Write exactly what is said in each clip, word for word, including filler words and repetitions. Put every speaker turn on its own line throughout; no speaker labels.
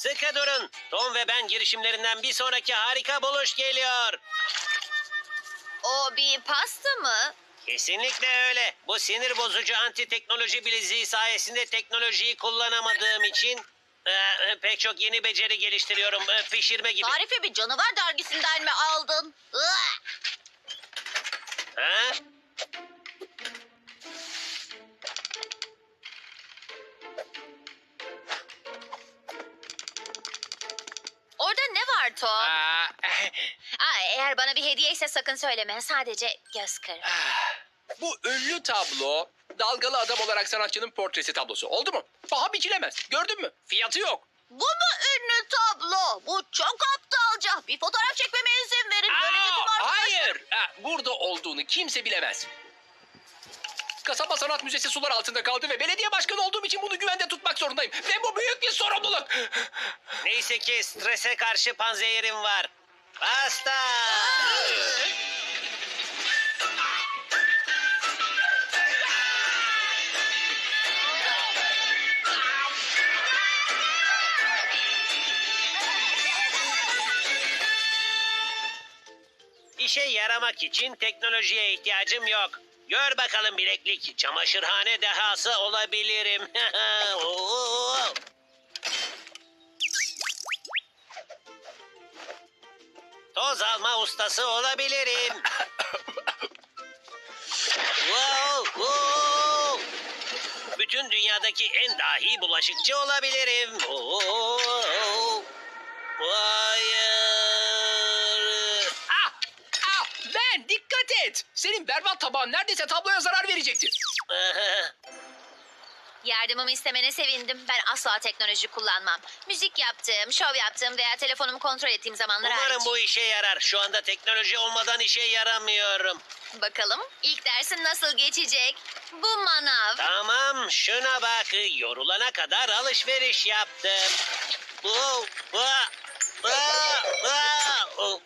Sıkı durun. Tom ve ben girişimlerinden bir sonraki harika buluş geliyor.
O bir pasta mı?
Kesinlikle öyle. Bu sinir bozucu anti teknoloji bileziği sayesinde teknolojiyi kullanamadığım için e, pek çok yeni beceri geliştiriyorum. E, pişirme gibi.
Tarifi bir canavar dergisinden mi aldın? Iı!
Ha?
Orada ne var Tom?
Aa,
Aa, eğer bana bir hediye ise sakın söyleme. Sadece göz kır.
bu ünlü tablo dalgalı adam olarak sanatçının portresi tablosu. Oldu mu? Paha biçilemez. Gördün mü? Fiyatı yok.
Bu mu ünlü tablo? Bu çok aptalca. Bir fotoğraf çekmeme izin verin. Böylece tüm
Aa,
arkadaşlar-
hayır. Ha, burada olduğunu kimse bilemez. Kasaba Sanat Müzesi sular altında kaldı ve belediye başkanı olduğum için bunu güvende tutmak zorundayım. Ve bu büyük bir sorumluluk.
Neyse ki strese karşı panzehirim var. Basta! İşe yaramak için teknolojiye ihtiyacım yok. Gör bakalım bileklik, çamaşırhane dehası olabilirim. Oo! Toz alma ustası olabilirim. Wow, wow. Bütün dünyadaki en dahi bulaşıkçı olabilirim. Oo! Hayır.
Ah, ah, ben dikkat et. Senin berbat tabağın neredeyse tabloya zarar verecekti.
Yardımımı istemene sevindim. Ben asla teknoloji kullanmam. Müzik yaptığım, şov yaptığım veya telefonumu kontrol ettiğim zamanlar
Umarım
hariç.
bu işe yarar. Şu anda teknoloji olmadan işe yaramıyorum.
Bakalım ilk dersin nasıl geçecek? Bu manav.
Tamam, şuna bak. Yorulana kadar alışveriş yaptım. Bu, bu, bu, bu.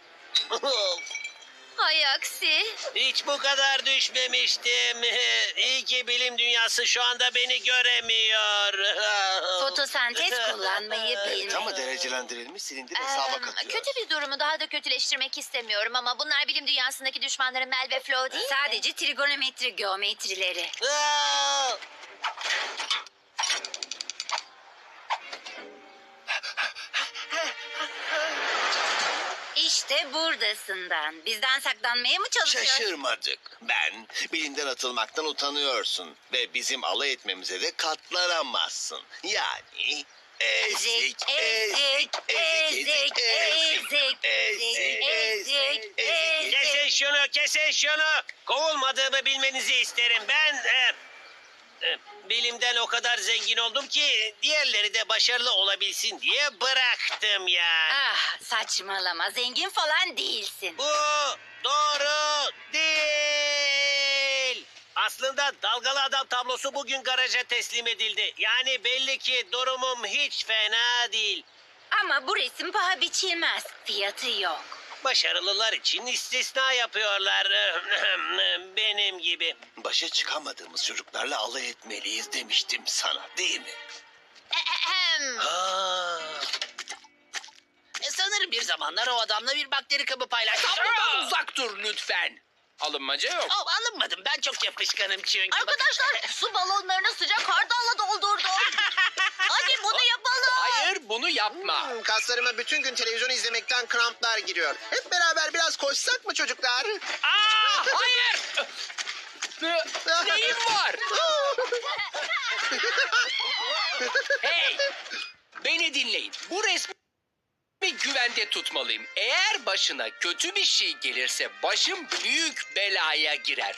Hay aksi.
Hiç bu kadar düşmemiştim. İyi ki bilim dünyası şu anda beni göremiyor.
Fotosentez kullanmayı bilmek.
Tam mı derecelendirilmiş silindir
Eee,
hesaba katıyor.
kötü bir durumu daha da kötüleştirmek istemiyorum ama bunlar bilim dünyasındaki düşmanlarım Mel ve Flo değil mi?
Sadece trigonometri geometrileri.
Aa!
İşte buradasından. Bizden saklanmaya mı çalışıyorsun?
Şaşırmadık. Ben bilimden atılmaktan utanıyorsun. Ve bizim alay etmemize de katlanamazsın. Yani ezik,
Ezik, ezik, ezik, ezik,
ezik,
ezik, ezik.
Kesin şunu, kesin şunu. Kovulmadığımı bilmenizi isterim. Ben e, e, bilimden o kadar zengin oldum ki diğerleri de başarılı olabilsin diye bıraktım yani.
Ah, saçmalama. Zengin falan değilsin.
Bu doğru değil. Aslında dalgalı adam tablosu bugün garaja teslim edildi. Yani belli ki durumum hiç fena değil.
Ama bu resim paha biçilmez. Fiyatı yok.
Başarılılar için istisna yapıyorlar. Benim gibi.
Başa çıkamadığımız çocuklarla alay etmeliyiz demiştim sana, değil mi?
Ahem.
Ha.
E, sanırım bir zamanlar o adamla bir bakteri kabı paylaştım.
Tablodan uzak dur lütfen. Alınmaca yok.
Oh, alınmadım. Ben çok yapışkanım çünkü.
Arkadaşlar su balonlarını sıcak hardalla doldurdum. Hadi bunu yapalım.
Hayır, bunu yapma.
Hmm, kaslarıma bütün gün televizyon izlemekten kramplar giriyor. Hep beraber biraz koşsak mı çocuklar?
Aa, hayır. Ne- Neyim var? Hey, beni dinleyin. Bu resmi güvende tutmalıyım. Eğer başına kötü bir şey gelirse başım büyük belaya girer.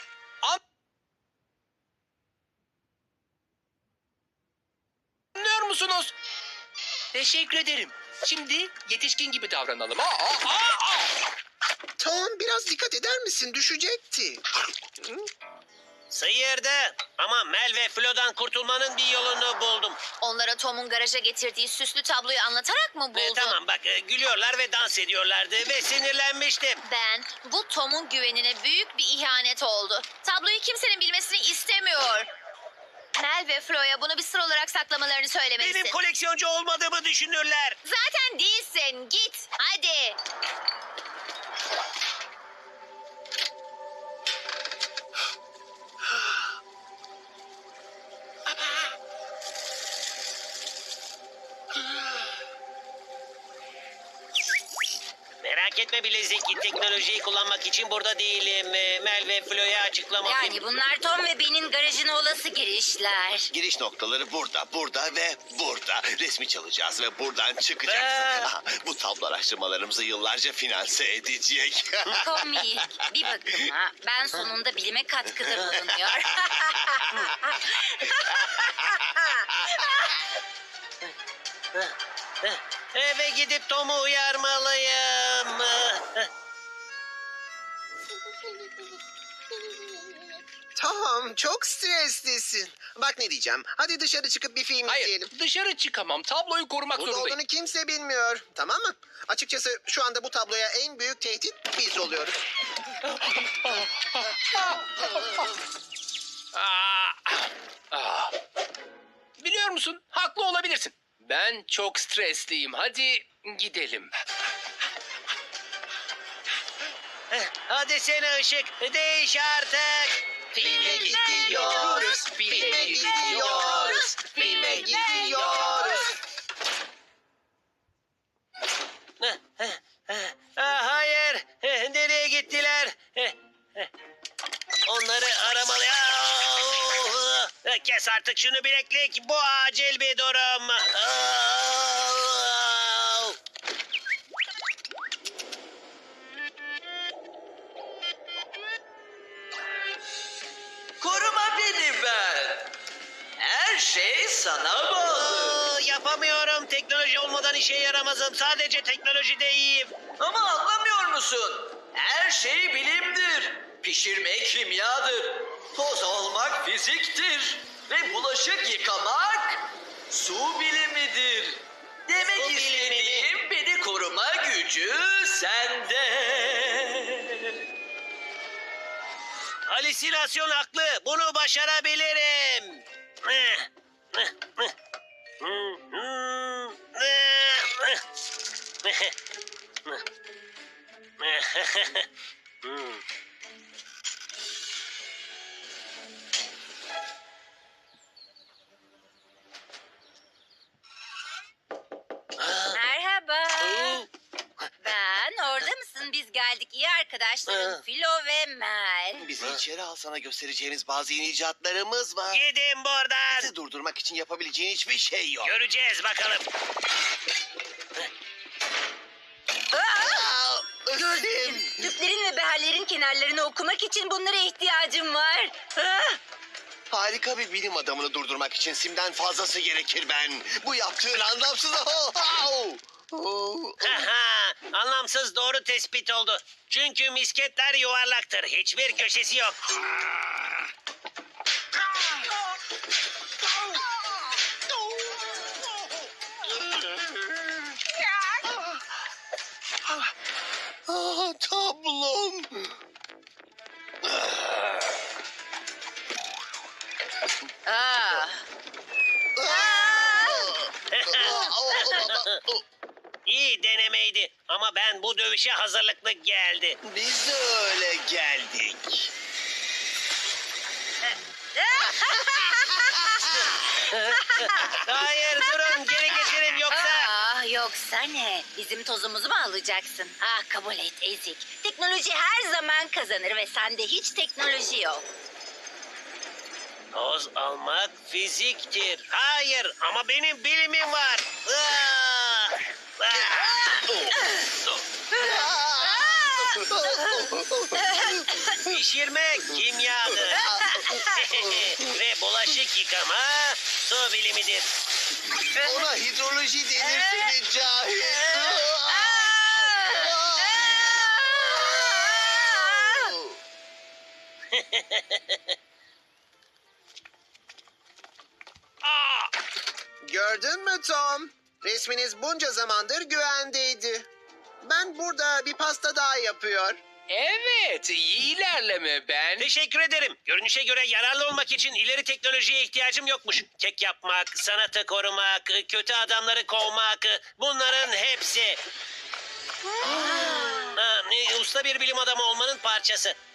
Anlıyor musunuz? Teşekkür ederim. Şimdi yetişkin gibi davranalım. Aa, aa, aa, aa.
Tom biraz dikkat eder misin? Düşecekti.
Sıyırdı. Ama Mel ve Flo'dan kurtulmanın bir yolunu buldum.
Onlara Tom'un garaja getirdiği süslü tabloyu anlatarak mı buldun?
E, tamam bak e, gülüyorlar ve dans ediyorlardı ve sinirlenmiştim.
Ben bu Tom'un güvenine büyük bir ihanet oldu. Tabloyu kimsenin bilmesini istemiyor. Mel ve Flo'ya bunu bir sır olarak saklamalarını söylemelisin.
Benim koleksiyoncu olmadığımı düşünürler.
Zaten değilsin. Git. Hadi.
Merak etme bilezik. Teknolojiyi kullanmak için burada değilim. Ee, Mel ve Flo'ya açıklamak...
Yani bunlar Tom ve Ben'in garajına olası girişler.
Giriş noktaları burada, burada ve burada. Resmi çalacağız ve buradan çıkacaksın.
Aa.
Aha, bu tablo araştırmalarımızı yıllarca finanse edecek.
Komik. Bir bakıma ben sonunda bilime katkıda bulunuyor.
Eve gidip Tom'u uyarmalıyım.
Tom çok streslisin. Bak ne diyeceğim. Hadi dışarı çıkıp bir film
Hayır,
izleyelim.
dışarı çıkamam. Tabloyu korumak
Burada
zorundayım.
olduğunu kimse bilmiyor. Tamam mı? Açıkçası şu anda bu tabloya en büyük tehdit biz oluyoruz.
Aa, ah. Biliyor musun? Haklı olabilirsin. Ben çok stresliyim. Hadi gidelim.
Hadi sene ışık. Değiş artık.
Filme gidiyoruz, filme gidiyoruz, filme gidiyoruz.
Ah, hayır. Nereye gittiler? Onları aramalı. Ah, kes artık şunu bileklik. Bu acil bir durum. Ah.
Koruma beni ben. Her şey sana bağlı.
Aa, yapamıyorum. Teknoloji olmadan işe yaramazım. Sadece teknolojide iyiyim.
Ama anlamıyor musun? Her şey bilimdir. Pişirme kimyadır. Toz olmak fiziktir. Ve bulaşık yıkamak su bilimidir. Demek
Su bilimi
istediğim beni koruma gücü sende.
Halüsinasyon haklı. Bunu başarabilirim.
Merhaba. Ben orada mısın? Biz geldik. İyi arkadaşlarım
Ha.
Filo ve Mel.
Bizi içeri al, sana göstereceğimiz bazı yeni icatlarımız var.
Gidin buradan.
Bizi durdurmak için yapabileceğin hiçbir şey yok.
Göreceğiz bakalım.
Aa,
Gördüm. Tüplerin ve beherlerin kenarlarını okumak için bunlara ihtiyacım var. Ah!
Harika bir bilim adamını durdurmak için simden fazlası gerekir ben. Bu yaptığın anlamsız. Oh, oh. Oh.
Haha, anlamsız doğru tespit oldu. Çünkü misketler yuvarlaktır. Hiçbir köşesi yok.
Ah, tablom.
Ah.
İyi denemeydi ama ben bu dövüşe hazırlıklı geldi.
Biz de öyle geldik.
Hayır durun geri getirin yoksa.
Ah, yoksa ne? Bizim tozumuzu mu alacaksın? Ah, kabul et ezik. Teknoloji her zaman kazanır ve sende hiç teknoloji yok.
Toz almak fiziktir. Hayır ama benim bilimim var. Ah! Ah! Pişirmek kimyadır. Ve bulaşık yıkama su bilimidir.
Ona hidroloji denir seni cahil.
Ah!
Gördün mü Tom? Resminiz bunca zamandır güvendeydi. Ben burada bir pasta daha yapıyor.
Evet, iyi ilerleme ben.
Teşekkür ederim. Görünüşe göre yararlı olmak için ileri teknolojiye ihtiyacım yokmuş. Kek yapmak, sanatı korumak, kötü adamları kovmak, bunların hepsi. Ha, e, usta bir bilim adamı olmanın parçası.